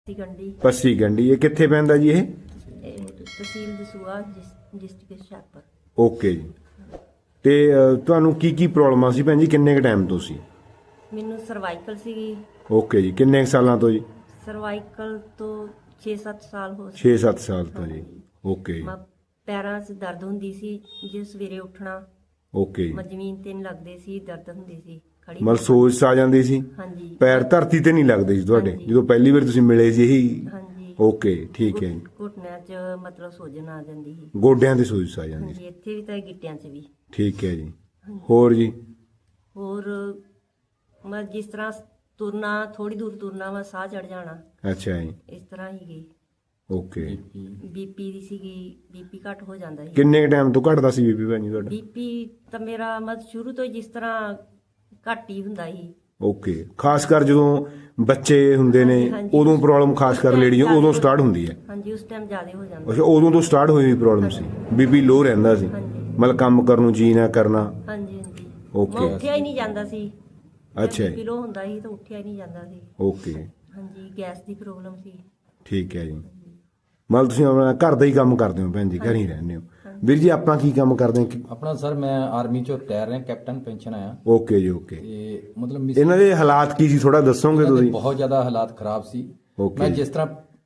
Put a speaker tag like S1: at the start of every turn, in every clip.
S1: ਗੰਢੀ
S2: ਪੱਸੀ ਗੰਢੀ ਇਹ ਕਿੱਥੇ ਪੈਂਦਾ ਜੀ ਇਹ?
S1: ਤਹਿਸੀਲ ਦਸੂਹਾ ਡਿਸਟ੍ਰਿਕਟ ਹੁਸ਼ਿਆਰਪੁਰ।
S2: ਓਕੇ ਜੀ। ਤੇ ਤੁਹਾਨੂੰ ਕੀ ਪ੍ਰੋਬਲਮ ਸੀ ਭੈਣ ਜੀ, ਕਿੰਨੇ ਕ ਟਾਈਮ ਤੋਂ ਸੀ?
S1: ਮੈਨੂੰ ਸਰਵਾਈਕਲ ਸੀਗੀ।
S2: ਓਕੇ ਜੀ। ਕਿੰਨੇ ਕੁ ਸਾਲਾਂ ਤੋਂ ਜੀ?
S1: ਸਰਵਾਈਕਲ ਤੋਂ 6-7 ਸਾਲ ਹੋ
S2: 6-7 ਸਾਲ ਤੋਂ ਜੀ। ਓਕੇ ਜੀ।
S1: ਪੈਰਾਂ 'ਚ ਦਰਦ ਹੁੰਦੀ ਸੀ, ਜੇ ਸਵੇਰੇ ਉੱਠਣਾ
S2: ਓਕੇ ਜੀ।
S1: ਜ਼ਮੀਨ ਤੇ ਨਹੀਂ ਲੱਗਦੇ ਸੀ, ਦਰਦ ਹੁੰਦੀ ਸੀ ਖੜੀ।
S2: ਮਤਲਬ ਸੋਜ ਆ ਜਾਂਦੀ ਸੀ?
S1: ਹਾਂਜੀ।
S2: ਪੈਰ ਧਰਤੀ ਤੇ ਨਹੀਂ ਲੱਗਦੇ ਸੀ ਤੁਹਾਡੇ
S1: ਹਾਂਜੀ।
S2: ਜਦੋਂ ਪਹਿਲੀ ਵਾਰ ਤੁਸੀਂ ਮਿਲੇ ਸੀ ਇਹੀ?
S1: ਹਾਂਜੀ।
S2: ਓਕੇ ਠੀਕ ਹੈ ਜੀ।
S1: ਘੁਟਨਿਆਂ 'ਚ ਮਤਲਬ ਸੋਜਨ ਆ ਜਾਂਦੀ ਸੀ।
S2: ਗੋਡਿਆਂ ਤੇ ਸੋਜ ਆ ਜਾਂਦੀ ਸੀ?
S1: ਹਾਂਜੀ, ਇੱਥੇ ਵੀ ਤੇ ਗਿੱਟਿਆਂ 'ਚ ਵੀ।
S2: ਠੀਕ ਹੈ ਜੀ। ਹੋਰ ਜੀ?
S1: ਹੋਰ ਮੈਂ ਜਿਸ ਤਰ੍ਹਾਂ ਤੁਰਨਾ, ਥੋੜੀ ਦੂਰ ਤੁਰਨਾ ਵਾ ਸਾਹ ਚੜ ਜਾਣਾ,
S2: ਅੱਛਾ ਜੀ।
S1: ਇਸ ਤਰ੍ਹਾਂ ਹੀ ਗਈ।
S2: ਓਕੇ।
S1: ਬੀਪੀ ਦੀ ਸੀਗੀ, ਬੀਪੀ ਘੱਟ ਹੋ ਜਾਂਦਾ ਸੀ।
S2: ਕਿੰਨੇ ਟਾਈਮ ਤੋਂ ਘਟਦਾ ਸੀ ਬੀਪੀ ਭੈਣ ਜੀ ਤੁਹਾਡਾ?
S1: ਬੀਪੀ ਤਾਂ ਮੇਰਾ ਮਤਲਬ ਸ਼ੁਰੂ ਤੋਂ ਹੀ ਜਿਸ ਤਰ੍ਹਾਂ ਘੱਟ ਹੀ ਹੁੰਦਾ ਸੀ।
S2: ਓਕੇ। ਖਾਸ ਕਰ ਜਦੋਂ ਬੱਚੇ ਹੁੰਦੇ ਨੇ
S1: ਹਾਂਜੀ, ਹਾਂਜੀ।
S2: ਉਦੋਂ ਪ੍ਰੋਬਲਮ ਖਾਸ ਕਰ ਲੇਡੀਆਂ ਉਦੋਂ ਸਟਾਰਟ ਹੁੰਦੀ ਹੈ?
S1: ਹਾਂਜੀ, ਉਸ ਟਾਈਮ ਜ਼ਿਆਦਾ ਹੋ ਜਾਂਦਾ।
S2: ਅੱਛਾ, ਉਦੋਂ ਤੋਂ ਸਟਾਰਟ ਹੋਈ ਪ੍ਰੋਬਲਮ ਸੀ? ਬੀਪੀ ਲੋ ਰਹਿੰਦਾ ਸੀ?
S1: ਹਾਂਜੀ।
S2: ਮਤਲਬ ਕੰਮ ਕਰਨ ਨੂੰ ਜੀ ਨਾ ਕਰਨਾ?
S1: ਹਾਂਜੀ ਹਾਂਜੀ।
S2: ਓਕੇ।
S1: ਮੈਂ ਉੱਠਿਆ ਹੀ ਨਹੀਂ ਜਾਂਦਾ ਸੀ।
S2: ਅੱਛਾ ਜੀ।
S1: ਬੀਪੀ ਲੋ ਹੁੰਦਾ ਸੀ ਤਾਂ ਉੱਠਿਆ ਹੀ ਨਹੀਂ ਜਾਂਦਾ ਸੀ।
S2: ਓਕੇ।
S1: ਹਾਂਜੀ, ਗੈਸ ਦੀ ਪ੍ਰੋਬਲਮ ਸੀ।
S2: ਠੀਕ ਹੈ ਜੀ। ਮਤਲਬ ਤੁਸੀਂ ਆਪਣਾ ਘਰ ਦਾ ਹੀ ਕੰਮ ਕਰਦੇ ਹੋ ਭੈਣ ਜੀ, ਘਰ ਹੀ ਰਹਿੰਦੇ ਹੋ? ਵੀਰ ਜੀ ਆਪਾਂ ਕੀ ਕੰਮ ਕਰਦੇ ਹਾਂ?
S3: ਆਪਣਾ ਸਰ ਮੈਂ ਆਰਮੀ ਚੋਂ ਰਿਟਾਇਰ ਰਿਹਾ, ਕੈਪਟਨ ਪੈਨਸ਼ਨ ਆਇਆ।
S2: ਓਕੇ ਜੀ। ਓਕੇ।
S3: ਤੇ ਮਤਲਬ
S2: ਇਹਨਾਂ ਦੇ ਹਾਲਾਤ ਕੀ ਸੀ ਥੋੜਾ ਦੱਸੋਗੇ
S3: ਇਹਨਾਂ ਦੇ
S2: ਤੁਸੀਂ?
S3: ਬਹੁਤ ਜ਼ਿਆਦਾ ਹਾਲਾਤ ਖਰਾਬ ਸੀ।
S2: ਓਕੇ।
S3: ਮੈਂ ਜਿਸ ਤਰ੍ਹਾਂ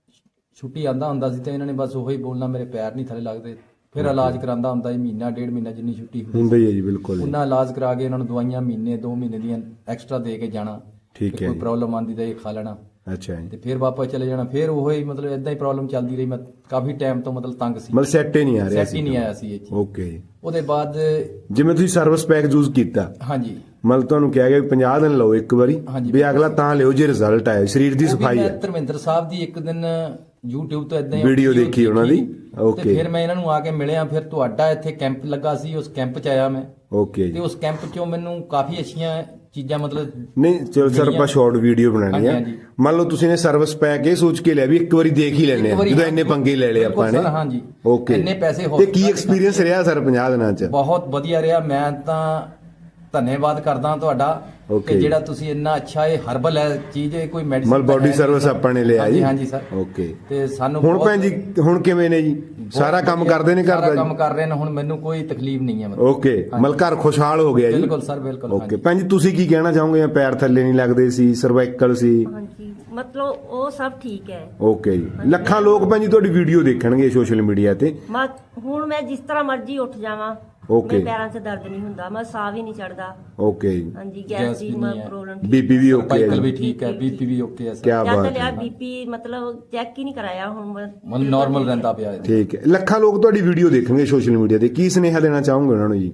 S3: ਛੁੱਟੀ ਆਂਦਾ ਹੁੰਦਾ ਸੀ ਤੇ ਇਹਨਾਂ ਨੇ ਬਸ ਉਹੀ ਬੋਲਣਾ, ਮੇਰੇ ਪੈਰ ਨਹੀਂ ਥੱਲੇ ਲੱਗਦੇ। ਫਿਰ ਇਲਾਜ ਕਰਾਂਦਾ ਹੁੰਦਾ ਸੀ, ਮਹੀਨਾ ਡੇਢ ਮਹੀਨਾ ਜਿੰਨੀ ਛੁੱਟੀ
S2: ਹੁੰਦਾ ਹੀ ਹੈ ਜੀ, ਬਿਲਕੁਲ ਜੀ।
S3: ਉਹਨਾਂ ਇਲਾਜ ਕਰਾ ਕੇ ਇਹਨਾਂ ਨੂੰ ਦਵਾਈਆਂ ਮਹੀਨੇ 2 ਮਹੀਨੇ ਦੀਆਂ ਐਕਸਟਰਾ ਦੇ ਕੇ ਜਾਣਾ।
S2: ਠੀਕ ਹੈ
S3: ਕੋਈ
S2: ਜੀ।
S3: ਪ੍ਰੋਬਲਮ ਆਂਦੀ ਤਾਂ ਇਹ ਖਾ ਲੈਣਾ
S2: ਅੱਛਾ ਜੀ।
S3: ਤੇ ਫਿਰ ਵਾਪਸ ਚਲੇ ਜਾਣਾ। ਫਿਰ ਉਹੀ ਮਤਲਬ ਇਦਾਂ ਹੀ ਪ੍ਰੋਬਲਮ ਚੱਲਦੀ ਰਹੀ। ਮੈਂ ਕਾਫੀ ਟਾਈਮ ਤੋਂ ਮਤਲਬ ਤੰਗ ਸੀ,
S2: ਮਤਲਬ ਸੈੱਟ ਹੀ ਨਹੀਂ ਆ ਰਿਹਾ
S3: ਸੈੱਟ ਹੀ ਨਹੀਂ ਆਇਆ ਸੀ ਇਹ ਚੀਜ਼।
S2: ਓਕੇ ਜੀ।
S3: ਉਹਦੇ ਬਾਅਦ
S2: ਜਿਵੇਂ ਤੁਸੀਂ ਸਰਵਿਸ ਪੈਕ ਯੂਜ਼ ਕੀਤਾ,
S3: ਹਾਂਜੀ
S2: ਮਤਲਬ ਤੁਹਾਨੂੰ ਕਿਹਾ ਗਿਆ ਵੀ 50 ਦਿਨ ਲਓ ਇੱਕ ਵਾਰੀ,
S3: ਹਾਂਜੀ।
S2: ਵੀ ਅਗਲਾ ਤਾਂ ਲਿਓ ਜੇ ਰਿਜ਼ਲਟ ਆਏ, ਸਰੀਰ ਦੀ
S3: ਉਹ ਵੀ
S2: ਸਫਾਈ
S3: ਮੈਂ
S2: ਹੈ।
S3: ਧਰਮਿੰਦਰ ਸਾਹਿਬ ਦੀ ਇੱਕ ਦਿਨ YouTube ਤੋਂ ਇਦਾਂ ਹੀ
S2: ਵੀਡੀਓ ਦੇਖੀ ਉਹਨਾਂ ਦੀ। ਓਕੇ।
S3: ਤੇ ਫਿਰ ਮੈਂ ਇਹਨਾਂ ਨੂੰ ਆ ਕੇ ਮਿਲਿਆ। ਫਿਰ ਤੁਹਾਡਾ ਇੱਥੇ ਕੈਂਪ ਲੱਗਾ ਸੀ, ਉਸ ਕੈਂਪ 'ਚ ਆਇਆ ਮੈਂ।
S2: ਓਕੇ
S3: ਤੇ
S2: ਜੀ।
S3: ਉਸ ਕੈਂਪ 'ਚੋਂ ਮੈਨੂੰ ਕਾਫੀ ਅੱਛੀਆਂ ਚੀਜ਼ਾਂ ਮਤਲਬ
S2: ਨਹੀਂ ਚਲੋ ਸਰ, ਆਪਾਂ ਸ਼ਾਰਟ ਵੀਡੀਓ ਬਣਾਣੀ ਆ।
S3: ਹਾਂਜੀ, ਹਾਂਜੀ।
S2: ਮੰਨ ਲਓ ਤੁਸੀਂ ਨੇ ਸਰਵਿਸ ਪੈਕ ਇਹ ਸੋਚ ਕੇ ਲਿਆ ਵੀ ਇੱਕ ਵਾਰੀ ਦੇਖ ਹੀ ਲੈਣੇ ਆ, ਜਦੋਂ ਇੰਨੇ ਪੰਗੇ ਲੈ ਲਏ ਆਪਾਂ ਨੇ।
S3: ਬਿਲਕੁਲ ਸਰ, ਹਾਂਜੀ।
S2: ਓਕੇ।
S3: ਇੰਨੇ ਪੈਸੇ
S2: ਤੇ ਕੀ
S3: hospital
S2: ਐਕਸਪੀਰੀਅੰਸ ਰਿਹਾ ਸਰ 50 ਦਿਨਾਂ ਚ?
S3: ਬਹੁਤ ਵਧੀਆ ਰਿਹਾ। ਮੈਂ ਤਾਂ ਧੰਨਵਾਦ ਕਰਦਾ ਤੁਹਾਡਾ
S2: ਓਕੇ।
S3: ਕਿ ਜਿਹੜਾ ਤੁਸੀਂ ਇੰਨਾ ਅੱਛਾ, ਇਹ ਹਰਬਲ ਹੈ ਚੀਜ਼, ਇਹ ਕੋਈ ਮੈਡੀਸਿਨ
S2: ਮਤਲਬ ਬੋਡੀ ਸਰਵਿਸ ਆਪਾਂ ਨੇ ਲਿਆ ਜੀ?
S3: ਹਾਂਜੀ ਸਰ।
S2: ਓਕੇ।
S3: ਤੇ ਸਾਨੂੰ
S2: ਹੁਣ
S3: ਬਹੁਤ-
S2: ਭੈਣ ਜੀ ਹੁਣ ਕਿਵੇਂ ਨੇ ਜੀ? ਸਾਰਾ ਕੰਮ ਕਰਦੇ ਨੇ ਘਰ
S3: ਸਾਰਾ
S2: ਦਾ
S3: ਕੰਮ
S2: ਜੀ?
S3: ਕਰ ਰਹੇ ਨੇ ਹੁਣ, ਮੈਨੂੰ ਕੋਈ ਤਕਲੀਫ ਨਹੀਂ ਹੈ ਮਤਲਬ।
S2: ਓਕੇ। ਮਤਲਬ ਘਰ ਖੁਸ਼ਹਾਲ ਹੋ ਗਿਆ ਜੀ?
S3: ਬਿਲਕੁਲ ਸਰ, ਬਿਲਕੁਲ।
S2: ਓਕੇ। ਭੈਣ ਜੀ ਤੁਸੀਂ ਕੀ ਕਹਿਣਾ ਚਾਹੋਗੇ? ਪੈਰ ਥੱਲੇ ਨਹੀਂ ਲੱਗਦੇ ਸੀ, ਸਰਵਾਈਕਲ ਸੀ?
S1: ਹਾਂਜੀ, ਮਤਲਬ ਉਹ ਸਭ ਠੀਕ ਹੈ।
S2: ਓਕੇ ਜੀ। ਲੱਖਾਂ ਲੋਕ ਭੈਣ ਜੀ ਤੁਹਾਡੀ ਵੀਡੀਓ ਦੇਖਣਗੇ ਸੋਸ਼ਲ ਮੀਡੀਆ ਤੇ।
S1: ਹੁਣ ਮੈਂ ਜਿਸ ਤਰ੍ਹਾਂ ਮਰਜ਼ੀ ਉੱਠ ਜਾਵਾਂ,
S2: ਓਕੇ।
S1: ਮੇਰੇ ਪੈਰਾਂ 'ਚ ਦਰਦ ਨਹੀਂ ਹੁੰਦਾ, ਮੈਂ ਸਾਹ ਵੀ ਨਹੀਂ ਚੜਦਾ।
S2: ਓਕੇ ਜੀ।
S1: ਹਾਂਜੀ,
S3: ਗੈਸ
S1: ਗੈਸ ਦੀ
S3: ਵੀ ਨਹੀਂ ਹੈ।
S1: ਪ੍ਰੋਬਲਮ।
S2: ਬੀਪੀ ਵੀ ਓਕੇ ਹੈ
S3: ਸਰਵਾਈਕਲ ਵੀ
S2: ਜੀ?
S3: ਠੀਕ ਹੈ, ਬੀਪੀ ਵੀ ਓਕੇ ਹੈ ਸਰ।
S2: ਕਿਆ
S1: ਜਦ
S2: ਬਾਤ
S1: ਲਿਆ
S2: ਹੈ।
S1: ਬੀਪੀ ਮਤਲਬ ਚੈੱਕ ਹੀ ਨਹੀਂ ਕਰਾਇਆ ਹੁਣ ਮੈਂ।
S3: ਮਨ ਨਾਰਮਲ ਰਹਿੰਦਾ ਪਿਆ ਹੈ।
S2: ਠੀਕ ਹੈ। ਲੱਖਾਂ ਲੋਕ ਤੁਹਾਡੀ ਵੀਡੀਓ ਦੇਖਣਗੇ ਸੋਸ਼ਲ ਮੀਡੀਆ ਤੇ, ਕੀ ਸੁਨੇਹਾ ਦੇਣਾ ਚਾਹੋਗੇ ਉਹਨਾਂ ਨੂੰ ਜੀ?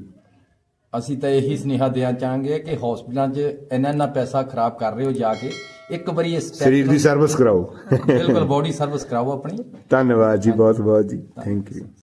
S3: ਅਸੀਂ ਤਾਂ ਇਹੀ ਸੁਨੇਹਾ ਦੇਣਾ ਚਾਹਾਂਗੇ ਕਿ ਹਸਪੀਟਲਾਂ 'ਚ ਇੰਨਾ ਪੈਸਾ ਖਰਾਬ ਕਰ ਰਹੇ ਹੋ, ਜਾ ਕੇ ਇੱਕ ਵਾਰੀ ਇਸ
S2: ਸਰੀਰ ਦੀ ਸਰਵਿਸ ਕਰਾਓ।
S3: ਬਿਲਕੁਲ ਬੋਡੀ ਸਰਵਿਸ ਕਰਾਓ ਆਪਣੀ।
S2: ਧੰਨਵਾਦ ਜੀ, ਬਹੁਤ ਬਹੁਤ ਜੀ, ਥੈਂਕ ਯੂ।